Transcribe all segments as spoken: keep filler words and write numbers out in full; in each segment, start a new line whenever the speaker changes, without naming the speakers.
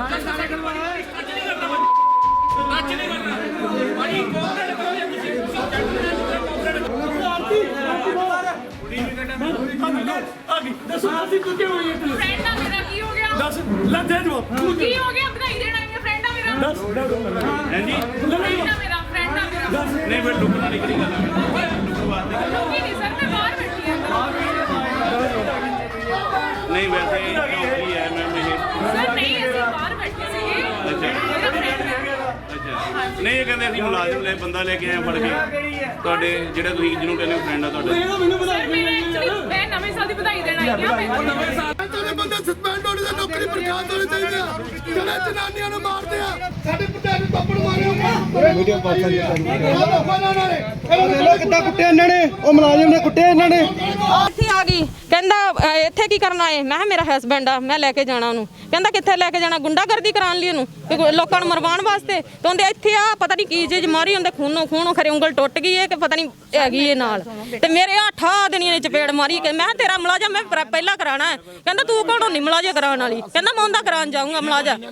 नहीं मैं लुक नहीं करी गल नहीं वैसे चौकी है मैम ये नहीं ये कहते असं मुलाजिम ले बंदा लेके आए फड़ के ਤੁਹਾਡੇ ਜਿਹੜੇ ਤੁਸੀਂ ਜਿਹਨੂੰ ਕਹਿੰਦੇ ਫਰੈਂਡ ਆ ਤੁਹਾਡੇ ਮੈਂ ਨਵੇਂ ਸਾਲ ਦੀ ਵਧਾਈ ਦੇਣ ਆਈ ਆ ਨਵੇਂ ਸਾਲ ਤੇ ਬੰਦੇ ਸਸਪੈਂਡ ਹੋਣੇ ਤੇ ਨੌਕਰੀ ਬਰਖਾਸਤ ਹੋਣੀ ਚਾਹੀਦੀ ਆ ਜਿਹੜੇ ਜਨਾਨੀਆਂ ਨੂੰ ਮਾਰਦੇ ਆ ਸਾਡੇ ਪੁੱਤਾਂ ਨੂੰ ਥੱਪੜ ਮਾਰੇ ਵੀਡੀਓ ਪਾਸਾ ਜੀ ਇਹਨਾਂ ਕਿੱਦਾਂ ਕੁੱਟੇ ਇਹਨਾਂ ਨੇ ਉਹ ਮੁਲਾਜ਼ਮ ਨੇ ਕੁੱਟੇ ਇਹਨਾਂ ਨੇ
ਇੱਥੇ ਆ ਗਈ ਕਹਿੰਦਾ ਇੱਥੇ ਕੀ ਕਰਨ ਆਏ ਮੈਂ ਮੇਰਾ ਹਸਬੈਂਡ ਆ ਮੈਂ ਲੈ ਕੇ ਜਾਣਾ ਉਹਨੂੰ ਕਹਿੰਦਾ ਕਿੱਥੇ ਲੈ ਕੇ ਜਾਣਾ ਗੁੰਡਾਗਰਦੀ ਕਰਾਉਣ ਲਈ ਉਹਨੂੰ ਲੋਕਾਂ ਨੂੰ ਮਰਵਾਉਣ ਵਾਸਤੇ ਤੇ ਉਹਦੇ ਇੱਥੇ ਆ ਪਤਾ ਨਹੀਂ ਕੀ ਚੀਜ਼ ਮਾਰੀ ਹੁੰਦੇ ਖੂਨੋਂ ਖੂਨੋਂ ਖਰੇ ਉਂਗਲ ਟੁੱਟ ਗਈ ਹੈ ਕਿ ਪਤਾ ਨਹੀਂ ਹੈਗੀ ਇਹ ਨਾਲ ਤੇ ਮੇਰੇ ਆ ਠਾ ਦੇਣੀਆਂ ਨੇ ਚਪੇੜ ਮਾਰੀ ਕਿ ਮੈਂ ਤੇਰਾ ਮੁਲਾਜ਼ਮ ਮੈਂ ਪਹਿਲਾਂ ਕਰਾਣਾ ਹੈ ਕਹਿੰਦਾ ਤੂੰ ਕੌਣ ਹੁੰਦੀ ਮੁਲਾਜ਼ਮ ਕਰਾਉਣ ਵਾਲੀ ਕਹਿੰਦਾ ਮੈਂ ਉਹਦਾ ਕਰਾਉਣ ਜਾਊਂਗਾ ਮੁਲਾਜ਼ਮ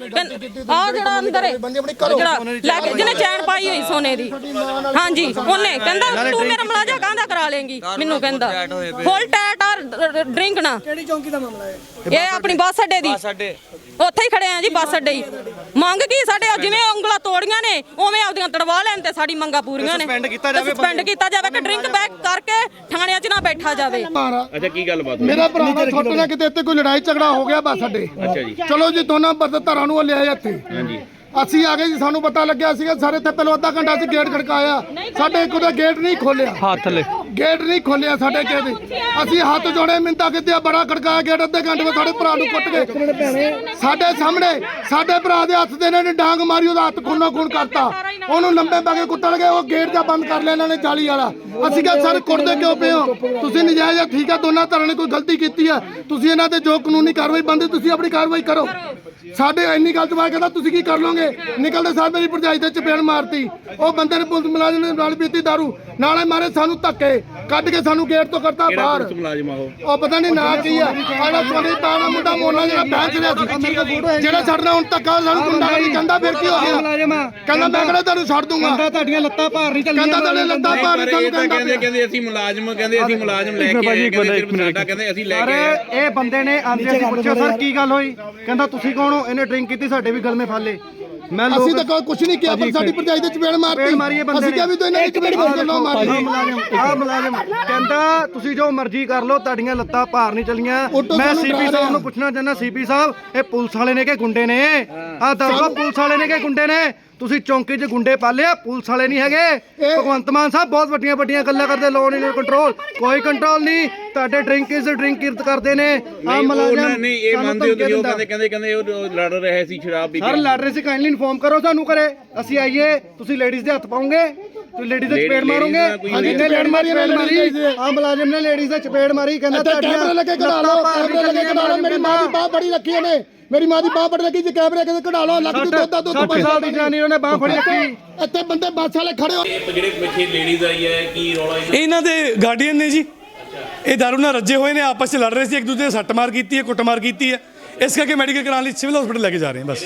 ਆ ਜਿਹੜਾ ਅੰਦਰ ਜਿਹੜਾ ਲੈ ਕੇ ਜਿਹਨੇ ਚੈਨ ਪਾਈ ਹੋਈ ਸੋਨੇ ਦੀ ਹਾਂਜੀ ਉਹਨੇ ਕਹਿੰਦਾ ਤੂੰ ਮੇਰਾ ਮੁਲਾਜ਼ਮ ਕਾਹਦਾ ਕਰਾ ਲੇਂਗੀ ਮੈਨੂੰ ਕਹਿੰਦਾ ਫੁੱਲ ਟੈਟ ਔਰ ਡਰਿੰਕ ਨਾ
ਕਿਹੜੀ ਚੌਂਕੀ ਦਾ ਮਾਮਲਾ ਹੈ
ਇਹ ਆਪਣੀ ਬੱਸ ਅੱਡੇ ਦੀ ਉੱਥੇ ਹੀ ਖੜੇ ਆ ਜੀ ਬੱਸ ਅੱਡੇ ਹੀ ਮੰਗ ਕੀ ਸਾਡੇ ਜਿਵੇਂ ਉਂਗਲਾਂ ਤੋੜੀਆਂ ਨੇ ਉਵੇਂ ਆਪਦੀਆਂ ਤੜਵਾ ਲੈਣ ਤੇ ਸਾਡੀ ਮੰਗਾਂ ਪੂਰੀਆਂ ਨੇ ਸਸਪੈਂਡ ਕੀਤਾ ਜਾਵੇ ਸਸਪੈਂਡ ਕੀਤਾ ਜਾਵੇ ਕਿ ਡਰਿੰਕ ਬੈਕ ਕਰਕੇ ਥਾਣਿਆਂ 'ਚ ਨਾ ਬੈਠਾ ਜਾਵੇ
ਅੱਛਾ ਕੀ ਗੱਲ ਬਾਤ
ਮੇਰਾ ਭਰਾ ਦਾ ਛੋਟੇ ਨਾਲ ਕਿਤੇ ਇੱਥੇ ਕੋਈ ਲੜਾਈ ਝਗੜਾ ਹੋ ਗਿਆ ਬੱਸ ਅੱਡੇ
ਅੱਛਾ ਜੀ
ਚਲੋ ਜੀ ਦੋਨਾਂ ਧਰਾਂ ਨੂੰ ਲਿਆਏ ਇੱਥੇ
ਹਾਂਜੀ
ਅਸੀਂ ਆ ਗਏ ਜੀ ਸਾਨੂੰ ਪਤਾ ਲੱਗਿਆ ਸੀਗਾ ਸਾਰੇ ਇੱਥੇ ਪਹਿਲਾਂ ਅੱਧਾ ਘੰਟਾ ਅਸੀਂ ਗੇਟ ਖੜਕਾਇਆ ਸਾਡੇ ਇੱਕ ਉਹਦਾ ਗੇਟ ਨਹੀਂ ਖੋਲਿਆ ਹੱਥ ਲੈ ਗੇਟ ਨਹੀਂ ਖੋਲਿਆ ਸਾਡੇ ਕਿਸੇ ਅਸੀਂ ਹੱਥ ਜੋੜੇ ਮਿੰਤਾ ਕਿਤੇ ਬੜਾ ਖੜਕਾਇਆ ਗੇਟ ਅੱਧੇ ਘੰਟੇ ਵਿੱਚ ਸਾਡੇ ਭਰਾ ਨੂੰ ਕੁੱਟ ਗਏ ਸਾਡੇ ਸਾਹਮਣੇ ਸਾਡੇ ਭਰਾ ਦੇ ਹੱਥ ਦੇ ਇਹਨਾਂ ਨੇ ਡਾਂਗ ਮਾਰੀ ਉਹਦਾ ਹੱਥ ਖੂਨੋ ਖੂਨ ਕਰਤਾ ਉਹਨੂੰ ਲੰਬੇ ਪਾ ਕੇ ਕੁੱਟਣ ਗਏ ਉਹ ਗੇਟ ਦਾ ਬੰਦ ਕਰ ਲਿਆ ਇਹਨਾਂ ਨੇ ਜਾਲੀ ਵਾਲਾ ਅਸੀਂ ਕਿਹਾ ਸਰ ਕੁੱਟਦੇ ਕਿਉਂ ਪਏ ਹੋ ਤੁਸੀਂ ਨਜਾਇਜ਼ ਠੀਕ ਆ ਦੋਨਾਂ ਧਿਰਾਂ ਨੇ ਕੋਈ ਗਲਤੀ ਕੀਤੀ ਆ ਤੁਸੀਂ ਇਹਨਾਂ ਤੇ ਜੋ ਕਾਨੂੰਨੀ ਕਾਰਵਾਈ ਬਣਦੀ ਤੁਸੀਂ ਆਪਣੀ ਕਾਰਵਾਈ ਕਰੋ ਸਾਡੇ ਇੰਨੀ ਗੱਲ ਤੋਂ ਬਾਅਦ ਕਹਿੰਦਾ ਤੁਸੀਂ ਕੀ ਕਰ ਲੋਗੇ ਨਿਕਲਦੇ ਸਾਹ ਮੇਰੀ ਭਰਜਾਈ ਤੇ ਚਪੇੜ ਮਾਰਤੀ ਉਹ ਬੰਦੇ ਨੇ ਪੁਲਿਸ ਮੁਲਾਜ਼ਮ ਨੇ ਨਾਲ ਪੀਤੀ ਦਾਰੂ ਨਾਲੇ ਮਾਰੇ ਸਾਨੂੰ ਧੱਕੇ ਕੱਢ ਕੇ ਸਾਨੂੰ ਗੇਟ ਤੋਂ ਕਰਤਾ ਬਾਹਰ ਉਹ ਪਤਾ ਨਹੀਂ ਨਾਂ ਕੀ ਆ ਆਲਾ ਸੋਨੀ ਪਾਣਾ ਮੁੰਡਾ ਮੋਨਾ ਜਿਹੜਾ ਬੈਂਚ ਰਿਹਾ ਸੀ ਜਿਹੜਾ ਛੱਡਣਾ ਹੁਣ ਧੱਕਾ ਸਾਨੂੰ ਗੁੰਡਾ ਨਹੀਂ ਕਹਿੰਦਾ ਫਿਰ ਕੀ ਹੋ ਗਿਆ ਕਹਿੰਦਾ ਮੈਂ ਕਿਹੜਾ ਤੁਹਾਨੂੰ ਛੱਡ ਦੂੰਗਾ ਕਹਿੰਦਾ ਤੁਹਾਡੀਆਂ ਲੱਤਾਂ ਭਾਰ ਨਹੀਂ ਚੱਲੀਆਂ ਕਹਿੰਦਾ ਤੁਹਾਡੇ ਲੱਤਾਂ ਭਾਰ ਨਹੀਂ ਤੁਹਾਨੂੰ
ਕਹਿੰਦੇ ਕਹਿੰਦੇ ਅਸੀਂ ਮੁਲਾਜ਼ਮ ਕਹਿੰਦੇ ਅਸੀਂ ਮੁਲਾਜ਼ਮ ਲੈ ਕੇ ਆਏ ਕਹਿੰਦੇ ਸਾਡਾ ਕਹਿੰਦੇ ਅਸੀਂ ਲੈ ਕੇ ਆਏ
ਇਹ ਬੰਦੇ ਨੇ ਆਂਦੇ ਅਸੀਂ ਪੁੱਛਿਆ ਸਰ ਕੀ ਗੱਲ ਹੋਈ ਕਹਿੰਦਾ ਤੁਸੀਂ ਕੌਣ ਹੋ ਇਹਨੇ ਡਰਿੰਕ ਕੀਤੀ ਸਾਡੇ ਵੀ ਗਲਮੇ ਫਾਲੇ ਮੈਂ
ਅਸੀਂ ਤਾਂ ਕੁਝ ਨਹੀਂ ਕਿਹਾ ਪਰ ਸਾਡੀ ਭਰਜਾਈ ਦੇ ਚਪੇੜ ਮਾਰਤੀ ਅਸੀਂ ਕਿਹਾ ਵੀ ਤੂੰ ਇਹਨਾਂ ਦੀ ਚਪੇੜ ਨਾ ਮਾਰੀ
ਆ ਮੁਲਾਜ਼ਮ ਕਹਿੰਦਾ ਤੁਸੀਂ ਜੋ ਮਰਜ਼ੀ ਕਰ ਲਓ ਤੁਹਾਡੀਆਂ ਲੱਤਾਂ ਭਾਰ ਨਹੀਂ ਚੱਲੀਆਂ ਮੈਂ ਸੀਪੀ ਸਾਹਿਬ ਨੂੰ ਪੁੱਛਣਾ ਚਾਹੁੰਦਾ ਸੀਪੀ ਸਾਹਿਬ ਇਹ ਪੁਲਿਸ ਵਾਲੇ ਨੇ ਕਿ ਗੁੰਡੇ ਨੇ ਆ ਦੱਸੋ ਪੁਲਿਸ ਵਾਲੇ ਨੇ ਕਿ ਗੁੰਡੇ ਨੇ ਤੁਸੀਂ ਚੌਂਕੀ 'ਚ ਗੁੰਡੇ ਪਾਲਿਆ ਪੁਲਿਸ ਵਾਲੇ ਨਹੀਂ ਹੈਗੇ ਭਗਵੰਤ ਮਾਨ ਸਾਹਿਬ ਬਹੁਤ ਵੱਡੀਆਂ ਵੱਡੀਆਂ ਗੱਲਾਂ ਕਰਦੇ ਲੋਨ ਇਨ ਕੰਟਰੋਲ ਕੋਈ ਕੰਟਰੋਲ ਨਹੀਂ ਤੁਹਾਡੇ ਡਰਿੰਕ ਇਜ਼ ਡਰਿੰਕ ਕਿਰਤ ਕਰਦੇ ਨੇ ਆ ਮੁਲਾਜ਼ਮ
ਨਹੀਂ ਇਹ ਮੰਨਦੇ ਹੋ ਤੁਸੀਂ ਉਹ ਕਹਿੰਦੇ ਕਹਿੰਦੇ ਕਹਿੰਦੇ ਉਹ ਲੜ ਰਹੇ ਸੀ ਸ਼ਰਾਬ ਪੀ ਕੇ
ਸਰ ਲੜ ਰਹੇ ਸੀ ਕਾਈਂਡਲੀ ਇਨਫੋਰਮ ਕਰੋ ਸਾਨੂੰ ਕਰੇ ਅਸੀਂ ਆਈਏ ਤੁਸੀਂ ਲੇਡੀਜ਼ ਦੇ ਹੱਥ ਪਾਉਂਗੇ ਤੁਸੀਂ ਲੇਡੀਜ਼ ਦੇ ਚਪੇੜ ਮਾਰੋਗੇ ਹਾਂਜੀ ਨੇ ਲੇਡ ਮਾਰੀ ਮਾਰੀ ਆ ਮੁਲਾਜ਼ਮ ਨੇ ਲੇਡੀਜ਼ ਦੇ ਚਪੇੜ ਮਾਰੀ ਕਹਿੰਦਾ
ਕੈਮਰੇ ਲੱਗੇ ਕਢਾ ਲਓ ਕੈਮਰੇ ਲੱਗੇ ਕਢਾ ਲਓ ਮੇਰੀ ਮਾਂ ਦੀ ਬਾਹ ਬੜੀ ਰੱਖੀ ਇਹਨੇ ਮੇਰੀ ਮਾਂ ਦੀ ਬਾਹ ਬੜੀ ਲੱਗੀ ਜੇ ਕੈਮਰੇ ਕਿਤੇ ਕਢਾ ਲਓ ਲੱਗ ਜੂ ਦੁੱਧ ਦਾ ਦੁੱਧ
ਸੱਠ ਸਾਲ ਦੀ ਜਨਾਨੀ ਉਹਨੇ ਬਾਹ ਫੜੀ ਰੱਖੀ
ਇੱਥੇ ਬੰਦੇ ਬੱਸ ਵਾਲੇ ਖੜੇ ਹੋ
ਜਿਹੜੇ ਪਿੱਛੇ ਲੇਡੀਜ਼ ਆਈ ਹੈ ਕੀ ਰੌਲਾ
ਇਹਨਾਂ ਦੇ ਗਾਰਡੀਅਨ ਨੇ ਜੀ ਇਹ ਦਾਰੂ ਨਾਲ ਰੱਜੇ ਹੋਏ ਨੇ ਆਪਸ 'ਚ ਲੜ ਰਹੇ ਸੀ ਇੱਕ ਦੂਜੇ ਸੱਟ ਮਾਰ ਕੀਤੀ ਹੈ ਕੁੱਟਮਾਰ ਕੀਤੀ ਹੈ ਇਸ ਕਰਕੇ ਮੈਡੀਕਲ ਕਰਾਉਣ ਲਈ ਸਿਵਲ ਹਸਪੀਟਲ ਲੈ ਕੇ ਜਾ ਰਹੇ ਹਾਂ ਬਸ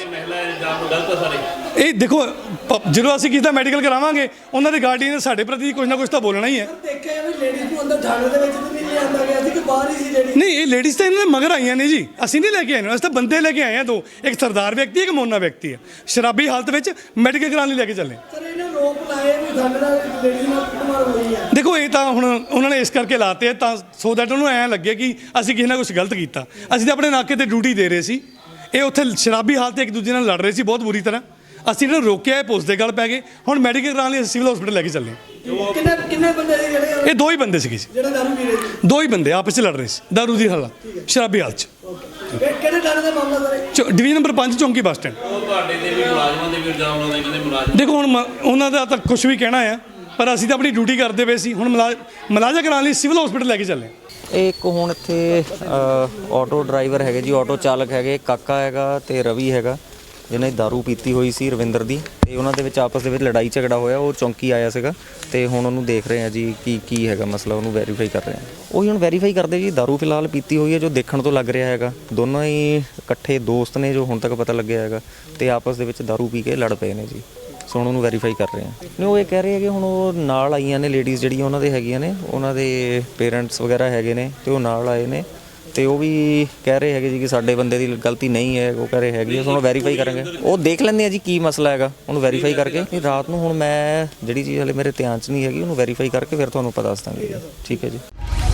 ਇਹ ਦੇਖੋ ਜਦੋਂ ਅਸੀਂ ਕਿਸੇ ਦਾ ਮੈਡੀਕਲ ਕਰਾਵਾਂਗੇ ਉਹਨਾਂ ਦੇ ਗਾਰਡੀਅਨ ਨੇ ਸਾਡੇ ਪ੍ਰਤੀ ਕੁਝ ਨਾ ਕੁਝ ਤਾਂ ਬੋਲਣਾ ਹੀ ਹੈ ਨਹੀਂ ਇਹ ਲੇਡੀਜ਼ ਤਾਂ ਇਹਨਾਂ ਦੇ ਮਗਰ ਆਈਆਂ ਨੇ ਜੀ ਅਸੀਂ ਨਹੀਂ ਲੈ ਕੇ ਆਏ ਅਸੀਂ ਤਾਂ ਬੰਦੇ ਲੈ ਕੇ ਆਏ ਹਾਂ ਦੋ ਇੱਕ ਸਰਦਾਰ ਵਿਅਕਤੀ ਇੱਕ ਮੋਨਾ ਵਿਅਕਤੀ ਹੈ ਸ਼ਰਾਬੀ ਹਾਲਤ ਵਿੱਚ ਮੈਡੀਕਲ ਕਰਾਉਣ ਲਈ ਲੈ ਕੇ ਚੱਲੇ ਦੇਖੋ ਇਹ ਤਾਂ ਹੁਣ ਉਹਨਾਂ ਨੇ ਇਸ ਕਰਕੇ ਲਾਤੇ ਆ ਤਾਂ ਸੋ ਦੈਟ ਉਹਨੂੰ ਐਂ ਲੱਗੇ ਕਿ ਅਸੀਂ ਕਿਸੇ ਨਾਲ ਕੁਝ ਗਲਤ ਕੀਤਾ ਅਸੀਂ ਤਾਂ ਆਪਣੇ ਨਾਕੇ ਤੇ ਡਿਊਟੀ ਦੇ ਰਹੇ ਸੀ ਇਹ ਉੱਥੇ ਸ਼ਰਾਬੀ ਹਾਲਤ ਇੱਕ ਦੂਜੇ ਨਾਲ ਲੜ ਰਹੇ ਸੀ ਬਹੁਤ ਬੁਰੀ ਤਰ੍ਹਾਂ ਅਸੀਂ ਇਹਨਾਂ ਨੂੰ ਰੋਕਿਆ ਇਹ ਪੁਲਿਸ ਦੇ ਗੱਲ ਪੈ ਗਏ ਹੁਣ ਮੈਡੀਕਲ ਕਰਾਉਣ ਲਈ ਸਿਵਲ ਹਸਪੀਟਲ ਲੈ ਕੇ ਚੱਲੇ
ਕਿੰਨੇ ਕਿੰਨੇ ਬੰਦੇ ਸੀ ਜਿਹੜੇ
ਇਹ ਦੋ ਹੀ ਬੰਦੇ ਸੀਗੇ
ਜਿਹੜਾ ਦਾਰੂ ਪੀ ਰਹੇ ਸੀ
ਦੋ ਹੀ ਬੰਦੇ ਆਪਸ 'ਚ ਲੜ ਰਹੇ ਸੀ ਦਾਰੂ ਦੀ ਹਾਲਤ ਸ਼ਰਾਬੀ ਹਾਲਤ 'ਚ
ਕਿਹੜੇ ਥਾਣੇ ਦਾ ਮਾਮਲਾ ਸਰ
ਡਿਵੀਜ਼ਨ ਨੰਬਰ ਪੰਜ ਚੌਂਕੀ ਬੱਸ ਸਟੈਂਡ
ਉਹ ਤੁਹਾਡੇ ਤੇ ਵੀ ਮੁਲਾਜ਼ਮਾਂ ਦੇ ਵੀ ਇਲਜ਼ਾਮ ਲਾਉਂਦੇ ਕਹਿੰਦੇ ਮੁਲਾਜ਼ਮ ਦੇਖੋ
ਹੁਣ ਉਹਨਾਂ ਦਾ ਤਾਂ ਕੁਝ ਵੀ ਕਹਿਣਾ ਆ ਪਰ ਅਸੀਂ ਤਾਂ ਆਪਣੀ ਡਿਊਟੀ ਕਰਦੇ ਪਏ ਸੀ ਹੁਣ ਮੁਲਾਜ਼ਾ ਕਰਾਉਣ ਲਈ ਸਿਵਲ ਹਸਪੀਟਲ ਲੈ ਕੇ ਚੱਲੇ
ਇਹ ਇੱਕ ਹੁਣ ਇੱਥੇ ਆਟੋ ਡਰਾਈਵਰ ਹੈਗੇ ਜੀ ਆਟੋ ਚਾਲਕ ਹੈਗੇ ਕਾਕਾ ਹੈਗਾ ਤੇ ਰਵੀ ਹੈਗਾ ਜਿਹਨੇ ਦਾਰੂ ਪੀਤੀ ਹੋਈ ਸੀ ਰਵਿੰਦਰ ਦੀ, ਤੇ ਉਹਨਾਂ ਦੇ ਵਿੱਚ ਆਪਸ ਦੇ ਵਿੱਚ ਲੜਾਈ ਝਗੜਾ ਹੋਇਆ। ਉਹ ਚੌਂਕੀ ਆਇਆ ਸੀਗਾ ਤੇ ਹੁਣ ਉਹਨੂੰ ਦੇਖ ਰਹੇ ਆ ਜੀ ਕੀ ਕੀ ਹੈਗਾ ਮਸਲਾ, ਉਹਨੂੰ ਵੈਰੀਫਾਈ ਕਰ ਰਹੇ ਆ। ਉਹੀ ਹੁਣ ਵੈਰੀਫਾਈ ਕਰਦੇ ਜੀ। ਦਾਰੂ ਫਿਲਹਾਲ ਪੀਤੀ ਹੋਈ ਹੈ ਜੋ ਦੇਖਣ ਤੋਂ ਲੱਗ ਰਿਹਾ ਹੈਗਾ। ਦੋਨੋਂ ਹੀ ਇਕੱਠੇ ਦੋਸਤ ਨੇ ਜੋ ਹੁਣ ਤੱਕ ਪਤਾ ਲੱਗਿਆ ਹੈਗਾ, ਤੇ ਆਪਸ ਦੇ ਵਿੱਚ ਦਾਰੂ ਪੀ ਕੇ ਲੜ ਪਏ ਨੇ ਜੀ। ਸੋ ਹੁਣ ਉਹਨੂੰ ਵੈਰੀਫਾਈ ਕਰ ਰਹੇ ਆ। ਨਹੀਂ ਉਹ ਇਹ ਕਹਿ ਰਹੇ ਹੈਗੇ ਹੁਣ ਉਹ ਨਾਲ ਆਈਆਂ ਨੇ ਲੇਡੀਜ਼ ਜਿਹੜੀਆਂ ਉਹਨਾਂ ਦੇ ਹੈਗੀਆਂ ਨੇ, ਉਹਨਾਂ ਦੇ ਪੇਰੈਂਟਸ ਵਗੈਰਾ ਹੈਗੇ ਨੇ ਤੇ ਉਹ ਨਾਲ ਆਏ ਨੇ, ਤੇ ਉਹ ਵੀ ਕਹਿ ਰਹੇ ਹੈਗੇ ਜੀ ਕਿ ਸਾਡੇ ਬੰਦੇ ਦੀ ਗਲਤੀ ਨਹੀਂ ਹੈ। ਉਹ ਕਹਿ ਰਹੇ ਹੈਗੇ ਉਹਨੂੰ ਵੈਰੀਫਾਈ ਕਰਾਂਗੇ। ਉਹ ਦੇਖ ਲੈਂਦੇ ਆ ਜੀ ਕੀ ਮਸਲਾ ਹੈਗਾ, ਉਹਨੂੰ ਵੈਰੀਫਾਈ ਕਰਕੇ। ਤੇ ਰਾਤ ਨੂੰ ਹੁਣ ਮੈਂ ਜਿਹੜੀ ਚੀਜ਼ ਹਲੇ ਮੇਰੇ ਧਿਆਨ 'ਚ ਨਹੀਂ ਹੈਗੀ, ਉਹਨੂੰ ਵੈਰੀਫਾਈ ਕਰਕੇ ਫਿਰ ਤੁਹਾਨੂੰ ਪਤਾ ਦੱਸ ਦਾਂਗੇ। ਠੀਕ ਹੈ ਜੀ।